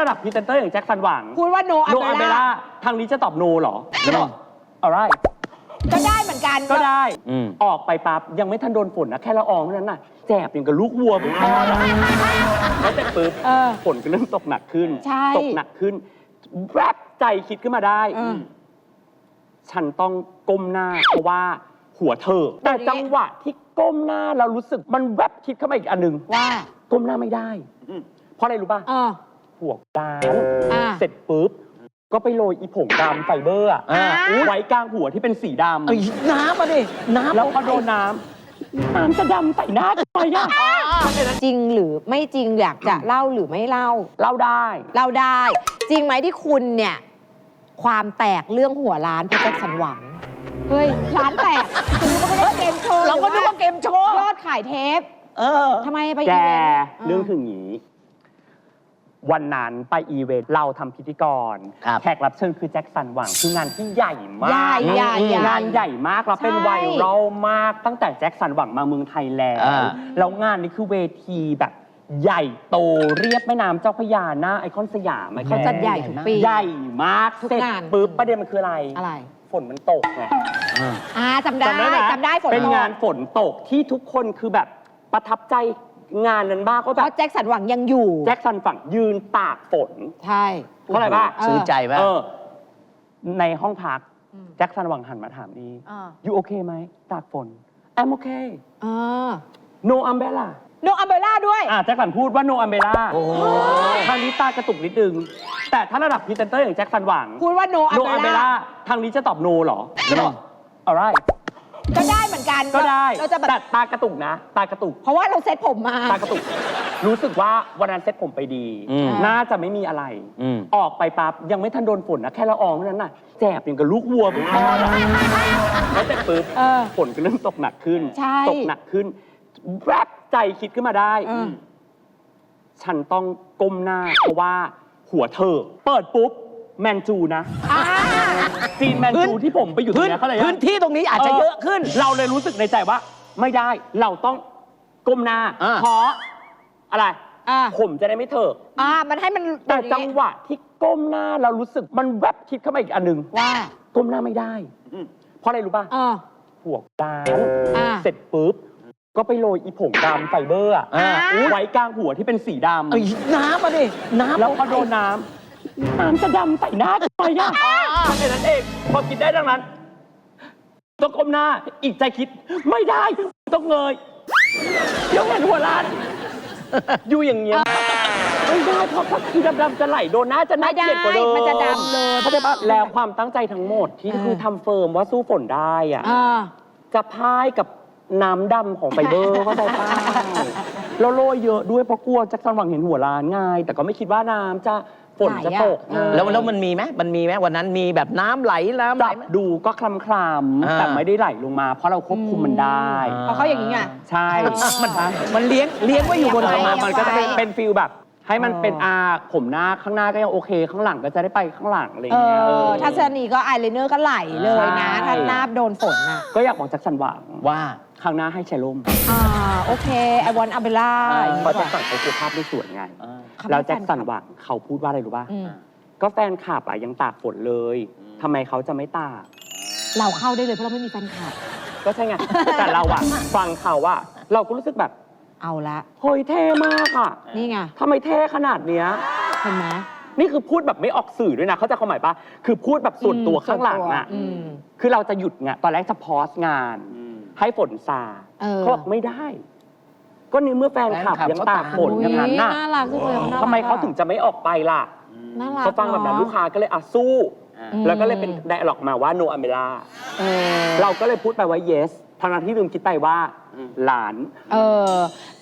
ดับพรีเซนเตอร์อย่างแจ็คสันหวังพูดว่า no โนอาเบ umbrella ล่าทางนี้จะตอบโนเหรอจะตอบอะไรก็ได้เหมือนกันก็ได้ออกไปปั๊บยังไม่ทันโดนฝนนะแค่ละอองเท่านั้นน่ะแจบอย่างกับลูกวัวไปพอแล้วแล้วแต่ปุ๊บฝนก็เริ่มตกหนักขึ้นตกหนักขึ้นแวบใจคิดขึ้นมาได้ฉันต้องก้มหน้าเพราะว่าหัวเธอแต่จังหวะที่ก้มหน้าเรารู้สึกมันแวบคิดเข้ามาอีกอันหนึ่งว่าก้มหน้าไม่ได้เพราะอะไรรู้ป่ะหัวดานเสร็จปุ๊บก็ไปโรยอีผงดำไฟเบอร์ไว้กลางหัวที่เป็นสีดำน้ำมาดิน้ำแล้วพอโดนน้ำจะดำใส่หน้าทำไมอ่ะจริงหรือไม่จริงอยากจะเล่าหรือไม่เล่าเล่าได้จริงไหมที่คุณเนี่ยความแตกเรื่องหัวร้านเพราะแจ็คสันหวังเฮ้ยร้านแตกคุณก็ไม่ได้เกมโชว์เราก็นึกว่าเกมโชว์ยอดขายเทปทำไมไปแกอีเวนต์เรื่องคืออย่างนี้วันนั้นไปอีเวนต์เราทำพิธีกรแขกรับเชิญคือแจ็คสันหวังคืองานที่ใหญ่มากงานใหญ่มากแล้วเป็นไวรัลมากตั้งแต่แจ็คสันหวังมาเมืองไทยแล้วงานนี้คือเวทีแบบใหญ่โตเรียบแม่น้ำเจ้าพระยาหน้าไอคอนสยามเขาจัดใหญ่ทุกปีใหญ่มากเสร็จปุ๊บประเด็นมันคืออะไรฝนมันตกไงจำได้ฝนตกเป็นงานฝนตกที่ทุกคนคือแบบประทับใจงานนั้นบ้างก็แบบแจ็คสันหวังยังอยู่แจ็คสันฝั่งยืนตากฝนใช่เพราะอะไรบ้างซื้อใจป่ะในห้องพักแจ็คสันหวังหันมาถามดีอยู่โอเคไหมตากฝน I'm okay no umbrella no umbrella ด้วยแจ็คสันพูดว่า no umbrella ทางนี้ตากระตุกนิดนึงแต่ถ้าระดับพรีเซนเตอร์อย่างแจ็คสันหวังพูดว่า no umbrella ทางนี้จะตอบโนเหรอจะตอบอะไรก็ได้เหมือนกันก็ได้แต่ตากระตุกนะตากระตุกเพราะว่าเราเซ็ตผมมาตากระตุกรู้สึกว่าวันนั้นเซ็ตผมไปดีน่าจะไม่มีอะไรออกไปปั๊บยังไม่ทันโดนฝนนะแค่ละอองเท่านั้นน่ะแจบอย่างกับลูกวัวไปพอแล้วแต่ปุ๊บฝนก็เริ่มตกหนักขึ้นตกหนักขึ้นแวบใจคิดขึ้นมาได้ฉันต้องก้มหน้าเพราะว่าหัวเธอเปิดปุ๊บแมนจูนะซีนแมนจูที่ผมไปอยู่ตรงนี้เขาเลยพื้นที่ตรงนี้อาจจะเยอะขึ้นเราเลยรู้สึกในใจว่าไม่ได้เราต้องก้มหน้าเพราะอะไรผมจะได้ไม่เถอะมันให้มันแต่จังหวะที่ก้มหน้าเรารู้สึกมันแวบคิดเข้ามาอีกอันหนึ่งว่าก้มหน้าไม่ได้เพราะอะไรรู้ป่ะหัวดำเสร็จปุ๊บก็ไปโรยอีผงดำไฟเบอร์ไว้กลางหัวที่เป็นสีดำน้ำมาดิน้ำแล้วพอโดนน้ำจะดำใส่หน้าทำไมอ่ะแค่นั้นเองพอคิดได้ดังนั้นต้องก้มหน้าอีกใจคิดไม่ได้ต้องเงยเดี๋ยวเห็นหัวล้านอยู่อย่างเงี้ยไม่ได้เพราะที่ดำๆจะไหลโดนหน้าจะน่าเกลียดกว่าเดิมมันจะดำเลยเข้าใจปะแล้วความตั้งใจทั้งหมดที่คือทำเฟิร์มว่าสู้ฝนได้อ่ะจะพ่ายกับน้ำดำของไฟเบอร์เข้าใจปะแล้วโรยเยอะด้วยเพราะกลัวแจ็คสันหวังเห็นหัวล้านง่ายแต่ก็ไม่คิดว่าน้ำจะฝนจะตกแล้วมันมีไหมวันนั้นมีแบบน้ำไหลดูก็คลำๆแต่ไม่ได้ไหลลงมาเพราะเราควบคุมมันได้เพราะเขาอย่างนี้ไงใช่มันเลี้ยงไว้อยู่บนมันก็จะเป็นฟิลแบบให้มันเป็นผมหน้าข้างหน้าก็ยังโอเคข้างหลังก็จะได้ไปข้างหลังอะไรอย่างเงี้ยทัศนีก็อายไลเนอร์ก็ไหลเลยนะถ้าหน้าโดนฝนอ่ะก็อยากบอกแจ็คสันหวังว่าข้างหน้าให้แชร์ลมโอเคไอวอนอัมเบล่าเพราะแจ็คสันเขาคือภาพไม่สวยไงแล้วแจ็คสันหวังเขาพูดว่าอะไรรู้ป่ะก็แฟนคลับยังตากฝนเลยทำไมเขาจะไม่ตากเราเข้าได้เลยเพราะเราไม่มีแฟนคลับก็ใช่ไงแต่เราฟังเขาเราก็รู้สึกแบบเอาละเฮ้ยเท่มากนี่ไงทำไมเท่ขนาดเนี้ยเห็นไหมนี่คือพูดแบบไม่ออกสื่อด้วยนะเขาจะความหมายปะคือพูดแบบส่วนตัวข้างหลังคือเราจะหยุดไงตอนแรกจะพอสงานให้ฝนซาเขาบอกไม่ได้ก็นี่เมื่อแฟนคลับยังตากฝนอย่างนั้นน่ะทำไมเขาถึงจะไม่ออกไปล่ะเขาฟังแบบนั้นลูกค้าก็เลยสู้แล้วก็เลยเป็นไดอะล็อกมาว่า no umbrella เราก็เลยพูดไปว่า yes ทางนั้นที่ลืมคิดไปว่าหลาน